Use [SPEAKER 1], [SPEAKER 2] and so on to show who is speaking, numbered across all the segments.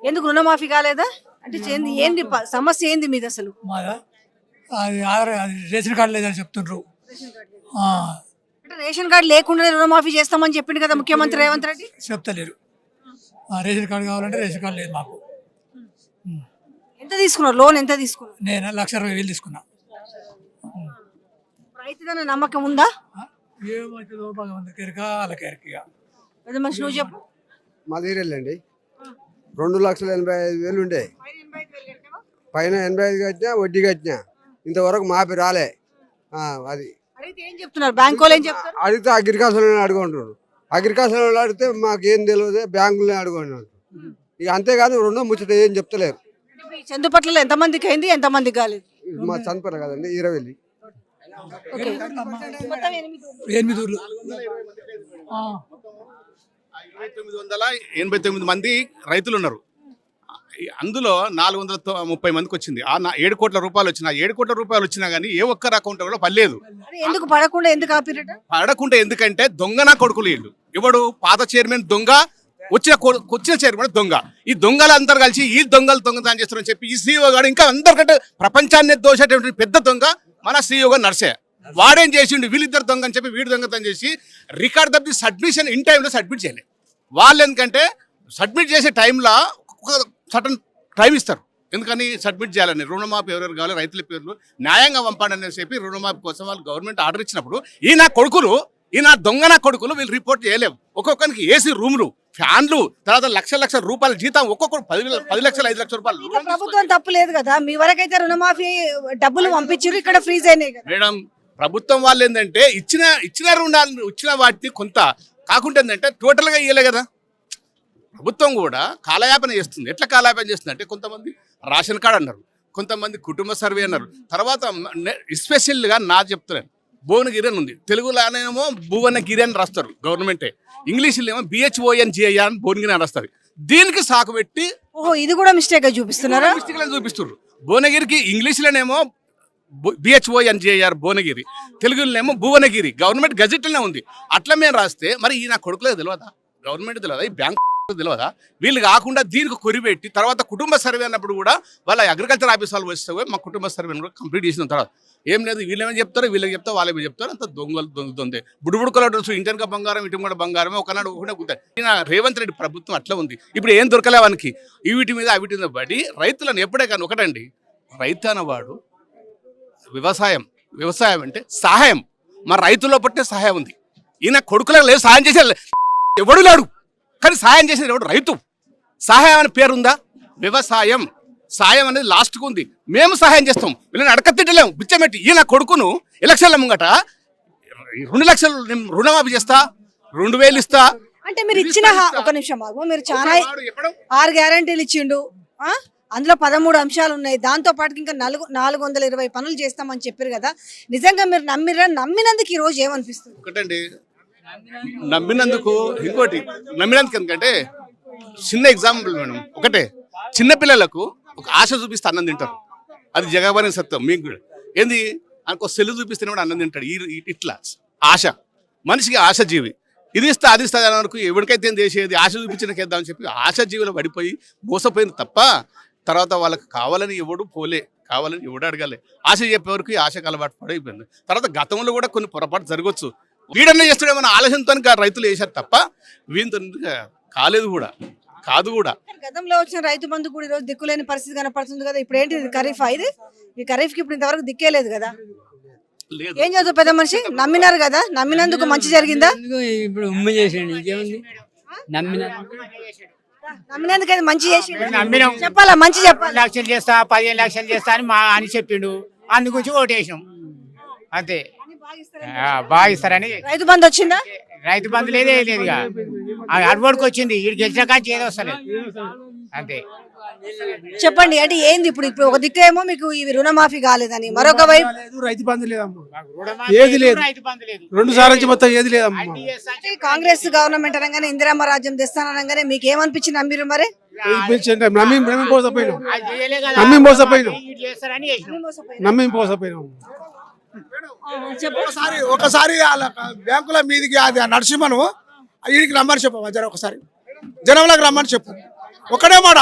[SPEAKER 1] ఎందుకు రుణమాఫీ కాలేదా? అంటే ఏంది సమస్య ఏంది మీది అసలు?
[SPEAKER 2] మాదా అది ఆధార్ అది రేషన్ కార్డు లేదని చెప్తుండ్రు. ఆ,
[SPEAKER 1] అంటే రేషన్ కార్డు లేకుండానే రుణమాఫీ చేస్తామని చెప్పిండు కదా ముఖ్యమంత్రి రేవంత్ రెడ్డి.
[SPEAKER 2] చెప్తలేరు. రేషన్ కార్డు కావాలంటే రేషన్ కార్డు లేదు మాకు.
[SPEAKER 1] ఎంత తీసుకున్నారు? లోన్ ఎంత తీసుకున్నారు?
[SPEAKER 2] నేను 1,20,000 తీసుకున్నా.
[SPEAKER 1] రైతుదన్న నమ్మకం ఉందా?
[SPEAKER 2] ఏమవుతుందో భగవంతుడి కెరక వాళ్ళకి ఎరక.
[SPEAKER 1] పెద్ద మనిషి నువ్వు చెప్పు.
[SPEAKER 3] మాది వెళ్ళండి 2,85,000 ఉండే, పైన 85 కట్టినా వడ్డీ కట్టినా, ఇంతవరకు మాపి రాలే. అది
[SPEAKER 1] అడిగితే ఏం చెప్తున్నారు? బ్యాంక్ వాళ్ళు ఏం చెప్తారు?
[SPEAKER 3] అడిగితే అగ్రికల్చర్ అడుగుంటారు. అగ్రికల్చర్ వాళ్ళు అడిగితే మాకేం తెలియదు, బ్యాంకులనే అడుగుంటారు. ఇక అంతేగాని రుణం ముచ్చట ఏం చెప్తలేరు.
[SPEAKER 1] చందుపట్లలో ఎంతమందికి అయింది, ఎంతమందికి కాలేదు?
[SPEAKER 3] మా చనిపోయారు కదండి 20.
[SPEAKER 1] ఓకే. మొత్తం
[SPEAKER 2] 8 ఊర్లు.
[SPEAKER 4] 989 మంది రైతులు ఉన్నారు. అందులో 430 మందికి వచ్చింది. ఆ 7 కోట్ల రూపాయలు వచ్చిన 7 కోట్ల రూపాయలు వచ్చినా కానీ ఏ ఒక్కరి అకౌంట్ కూడా పడలేదు.
[SPEAKER 1] ఎందుకు పడకుండా ఎందుకు ఆపిరట?
[SPEAKER 4] పడకుండా ఎందుకంటే దొంగనా కొడుకులు వీళ్ళు. ఎవడు పాత చైర్మన్ దొంగ, వచ్చిన చైర్మన్ దొంగ. ఈ దొంగలు అందరు కలిసి ఈ దొంగతనం చేస్తారని చెప్పి ఈ సీఈఓ గారు ఇంకా అందరికంటే ప్రపంచాన్ని దోషేటువంటి పెద్ద దొంగ మన సీఈఓ గారు నర్సే. వాడేం చేసిండు, వీళ్ళిద్దరు దొంగ అని చెప్పి వీడు దొంగతనం చేసి రికార్డ్ తప్పి సబ్మిషన్ ఇన్ టైంలో సబ్మిట్ చేయలేదు. వాళ్ళు ఎందుకంటే సబ్మిట్ చేసే టైంలో ఒక సటన్ టైం ఇస్తారు. ఎందుకని సబ్మిట్ చేయాలని, రుణమాఫీ ఎవరెవరు కావాలి రైతుల పేర్లు న్యాయంగా పంపండి అని చెప్పి రుణమాఫీ కోసం వాళ్ళు గవర్నమెంట్ ఆర్డర్ ఇచ్చినప్పుడు ఈ నా దొంగ నా కొడుకులు వీళ్ళు రిపోర్ట్ చేయలేవు. ఒక్కొక్కరికి ఏసీ రూములు, ఫ్యాన్లు, తర్వాత లక్షల రూపాయల జీతం, ఒక్కొక్కరు 10 లక్షలు 5 లక్షల రూపాయలు.
[SPEAKER 1] ప్రభుత్వం తప్పు లేదు కదా, మీ వరకైతే రుణమాఫీ డబ్బులు పంపించారు, ఇక్కడ ఫ్రీజ్ అయినాయి కదా
[SPEAKER 4] మేడం. ప్రభుత్వం వాళ్ళు ఏంటంటే ఇచ్చిన రుణాలు ఇచ్చిన వాటిని కొంత కాకుండా ఏంటంటే టోటల్గా ఇవ్వలే కదా. ప్రభుత్వం కూడా కాలయాపన చేస్తుంది. ఎట్లా కాలయాపన చేస్తుంది అంటే కొంతమంది రేషన్ కార్డు అన్నారు, కొంతమంది కుటుంబ సర్వే అన్నారు. తర్వాత ఎస్పెషల్గా నా చెప్తున్నాను, భువనగిరి అని ఉంది. తెలుగులోనేమో భువనగిరి అని రాస్తారు గవర్నమెంటే, ఇంగ్లీష్లో ఏమో BHONGIR అని భువనగిరి అని రాస్తారు. దీనికి సాకు పెట్టి
[SPEAKER 1] ఓహో ఇది కూడా మిస్టేక్ గా చూపిస్తున్నారా?
[SPEAKER 4] చూపిస్తారు. భువనగిరికి ఇంగ్లీష్లోనేమో BHONGIR భువనగిరి, తెలుగులోనేమో భువనగిరి. గవర్నమెంట్ గజెట్లోనే ఉంది. అట్లా మేము రాస్తే మరి ఈ నా కొడుకులకు తెలియదా, గవర్నమెంట్ తెలియదా, ఈ బ్యాంక్ తెలియదా? వీళ్ళు కాకుండా దీనికి కొరిపెట్టి తర్వాత కుటుంబ సర్వే అన్నప్పుడు కూడా వాళ్ళ అగ్రికల్చర్ ఆఫీస్ వాళ్ళు వస్తే మా కుటుంబ సర్వేని కూడా కంప్లీట్ చేసిన తర్వాత ఏం లేదు, వీళ్ళేమో చెప్తారు, వీళ్ళకి చెప్తారు, వాళ్ళేమో చెప్తారు. అంత దొంగతుంది. బుడుబుడుకల డ్రెస్, ఇంటెనక బంగారం, ఇటు కూడా బంగారమే, ఒకనాడు ఒకటే కుతాయి. ఈయన రేవంత్ రెడ్డి ప్రభుత్వం అట్లా ఉంది. ఇప్పుడు ఏం దొరకలే వానికి, వీటి మీద అవిటి మీద పడి రైతులను ఎప్పుడే కానీ ఒకటండి, రైతు అన్నవాడు వ్యవసాయం అంటే సహాయం. మా రైతుల్లో పట్టే సహాయం ఉంది. ఈయన కొడుకులకు లేదు సహాయం చేసే ఎవడు లేడు, కానీ సహాయం చేసేది ఎవడు? రైతు. సహాయం అనే పేరుందా? వ్యవసాయం. సాయం అనేది లాస్ట్కు ఉంది. మేము సహాయం చేస్తాం, వీళ్ళని అడకతిట్టలేము బిచ్చమెట్టి. ఈయన కొడుకును ఎలక్షన్ల ముంగట 2 లక్షలు రుణమాఫీ చేస్తా, 2,000 ఇస్తా
[SPEAKER 1] అంటే మీరు ఇచ్చిన ఒక నిమిషం ఆగు, మీరు చాలా 6 గ్యారంటీలు ఇచ్చిండు, అందులో 13 అంశాలు ఉన్నాయి. దాంతో పాటు ఇంకా 420 పనులు చేస్తామని చెప్పారు కదా. నిజంగా మీరు నమ్మినందుకు ఈ రోజు ఏమనిపిస్తుంది?
[SPEAKER 4] ఒకటండి, నమ్మినందుకు ఇంకోటి, నమ్మినందుకు ఎందుకంటే చిన్న ఎగ్జాంపుల్ మేడం. ఒకటే, చిన్నపిల్లలకు ఒక ఆశ చూపిస్తే అన్నం తింటారు. అది జగబని సత్యం. మీకు కూడా ఏంది, అనుకో సెల్లు చూపిస్తే కూడా అన్నం తింటాడు. ఇట్లా ఆశ, మనిషికి ఆశ జీవి. ఇది ఇస్తా అది ఇస్తా అని అనుకో, ఎవరికైతే చేసేది ఆశ చూపించినకేద్దామని చెప్పి ఆశ జీవులు పడిపోయి మోసపోయింది తప్ప తర్వాత వాళ్ళకి కావాలని ఎవడు పోలే, కావాలని ఎవడు అడగాలి. ఆశ చెప్పేవరకు ఈ ఆశకు అలవాటు పడైపోయింది. తర్వాత గతంలో కూడా కొన్ని పొరపాటు జరగవచ్చు. వీడన్నా చేస్తాడేమన్నా ఆలోచనతో రైతులు వేశారు తప్ప వీంతో కాలేదు కూడా కాదు కూడా.
[SPEAKER 1] గతంలో వచ్చిన రైతు బంధు కూడా ఈరోజు దిక్కులేని పరిస్థితి కనపడుతుంది కదా. ఇప్పుడు ఏంటి ఖరీఫ్? ఇది ఈ ఖరీఫ్కి ఇప్పుడు ఇంతవరకు దిక్కే లేదు కదా. ఏం చదువు పెద్ద మనిషి, నమ్మినారు కదా, నమ్మినందుకు మంచి జరిగిందా?
[SPEAKER 5] ఇప్పుడు ఉమ్మ చేసేయండి, ఇంకేముంది,
[SPEAKER 1] నమ్మినందుకు అది మంచి చేసి చెప్పాలా, మంచి చెప్పాలి.
[SPEAKER 5] 10 లక్షలు చేస్తా, 15 లక్షలు చేస్తా అని చెప్పిండు, అందుగురించి ఓటేసాం అంతే. బాగా ఇస్తారని.
[SPEAKER 1] రైతు బంధు వచ్చిందా?
[SPEAKER 5] రైతు బంధు లేదే లేదుగా, అడ్వర్డ్కి వచ్చింది. వీడు గెలిచిన కానీ ఏదో వస్తలేదు అంతే.
[SPEAKER 1] చెప్పండి, అంటే ఏంది ఇప్పుడు ఒక దిక్కు ఏమో మీకు ఇవి రుణమాఫీ కాలేదని, మరొక వైపు
[SPEAKER 6] రైతు బంధు లేదమ్మా, ఏది లేదు,
[SPEAKER 5] రైతు బంధు లేదు.
[SPEAKER 6] 2 సార్లు మొత్తం ఏది లేదమ్మా.
[SPEAKER 1] కాంగ్రెస్ గవర్నమెంట్ అనగానే ఇందిరామ్మ రాజ్యం తెస్తానగానే మీకు ఏమనిపించింది? నమ్మిరు మరి?
[SPEAKER 6] నమ్మి మోసపోయినాం. ఒకసారి బ్యాంకుల మీదికి అది నరసింహను వీడికి రమ్మని చెప్పు, ఒకసారి జనంలోకి రమ్మని చెప్పు. ఒకటే మాట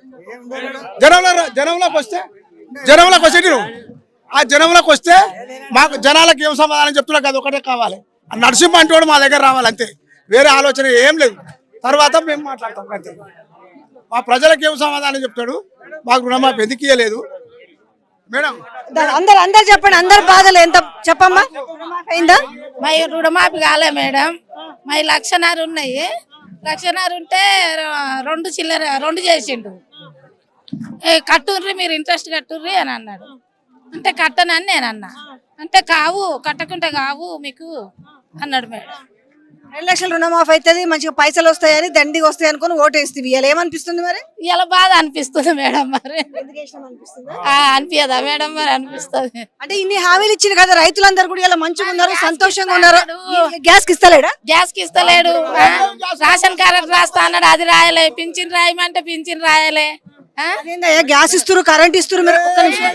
[SPEAKER 6] జనంలోకి వస్తే నేను ఆ జనంలోకి వస్తే మాకు జనాలకు ఏం సమాధానం చెప్తున్నా కదా ఒకటే కావాలి. ఆ నరసింహ అంటే వాడు మా దగ్గర రావాలి అంతే, వేరే ఆలోచన ఏం లేదు. తర్వాత మేము మాట్లాడతాం అంతే. మా ప్రజలకు ఏం సమాధానం చెప్తాడు, మాకు రుణమాఫీ ఎందుకు ఇయ్యలేదు మేడం?
[SPEAKER 1] అందరు చెప్పండి, అందరు బాధలు ఎంత చెప్పమ్మా. రుణమాఫీ అయిందా?
[SPEAKER 7] మా రుణమాఫీ కాలే మేడం. మా 1,00,000 ఉన్నాయి. 1,00,000 ఉంటే 2 చేసిండు. కట్టుర్రి మీరు ఇంట్రెస్ట్ కట్టుర్రి అని అన్నాడు. అంటే కట్టనని నేను అన్నా. అంటే కావు, కట్టకుంటే కావు మీకు అన్నాడు మేడం.
[SPEAKER 1] 2 లక్షల రుణమాఫీ అవుతుంది, మంచిగా పైసలు వస్తాయని దండిగా వస్తాయి అనుకుని ఓటేస్తుంది. ఇలా ఏమనిపిస్తుంది మరి?
[SPEAKER 7] ఇలా బాధ అనిపిస్తుంది మేడం. మరి అనిపించదా మేడం? మరి అనిపిస్తుంది.
[SPEAKER 1] అంటే ఇన్ని హామీలు ఇచ్చింది కదా, రైతులందరూ కూడా ఇలా మంచిగా ఉన్నారు, సంతోషంగా ఉన్నారు. గ్యాస్ కి ఇస్తలేడా?
[SPEAKER 7] గ్యాస్ కి ఇస్తలేడు. రేషన్ కార్డు రాస్తా అన్నాడు, అది రాయలే. పింఛన్ రాయమంటే పింఛన్ రాయలే.
[SPEAKER 1] గ్యాస్ ఇస్తారు, కరెంట్ ఇస్తారు. మీరు ఒక్క నిమిషం.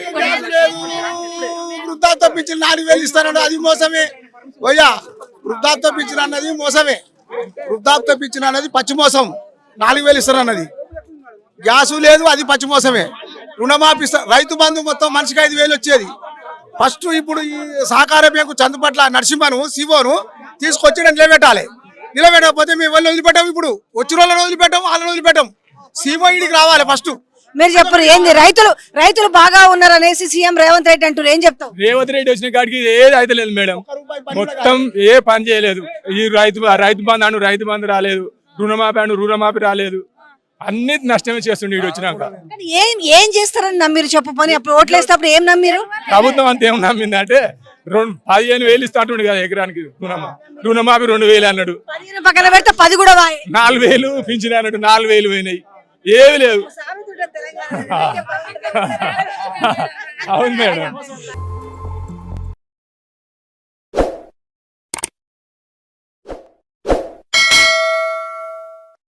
[SPEAKER 6] వృద్ధాప్య పింఛన్ 4,000 ఇస్తానన్నాడు, అది మోసమే. పోయా వృద్ధాప్య పింఛన్ అన్నది మోసమే. వృద్ధాప్య పింఛన్ అన్నది పచ్చి మోసం. 4,000 ఇస్తారన్నది గ్యాసు లేదు, అది పచ్చి మోసమే. రుణమాఫీ రైతు బంధు మొత్తం మనిషికి 5,000 వచ్చేది ఫస్ట్. ఇప్పుడు ఈ సహకార బ్యాంకు చందుపట్ల నరసింహను సివోను తీసుకొచ్చి నిలబెట్టాలి. నిలబెట్టకపోతే మేము వాళ్ళు వదిలిపెట్టాం. ఇప్పుడు వచ్చిన వాళ్ళని వదిలిపెట్టాం, వాళ్ళని వదిలిపెట్టాం. సివో ఇడికి రావాలి ఫస్ట్.
[SPEAKER 1] మీరు చెప్పరు ఏంది? రైతులు బాగా ఉన్నారు అనేసి సీఎం రేవంత్ రెడ్డి అంటారు, ఏం చెప్తావు?
[SPEAKER 2] రేవంత్ రెడ్డి వచ్చిన కాడికి ఏది అయితే లేదు మేడం, మొత్తం ఏ పని చేయలేదు. ఈ రైతు బంధు రాలేదు, రుణమాఫీ రాలేదు, అన్ని నష్టమే చేస్తుండే వీడు వచ్చినాక.
[SPEAKER 1] ఏం చేస్తారని నమ్మిరు చెప్పు పని. అప్పుడు ఓట్లు వేసేటప్పుడు ఏం నమ్మిరు?
[SPEAKER 2] ప్రభుత్వం అంతా ఏం నమ్మింది అంటే 15,000 ఇస్తాంటుండే కదా ఎకరానికి. రుణమాఫీ 2,000 అన్నాడు.
[SPEAKER 1] 15 పక్కన పెడితే 10 కూడా
[SPEAKER 2] 4,000 పింఛన్ అన్నాడు, 4,000 పోయినాయి. ఏమి లేవు. అవును మేడం.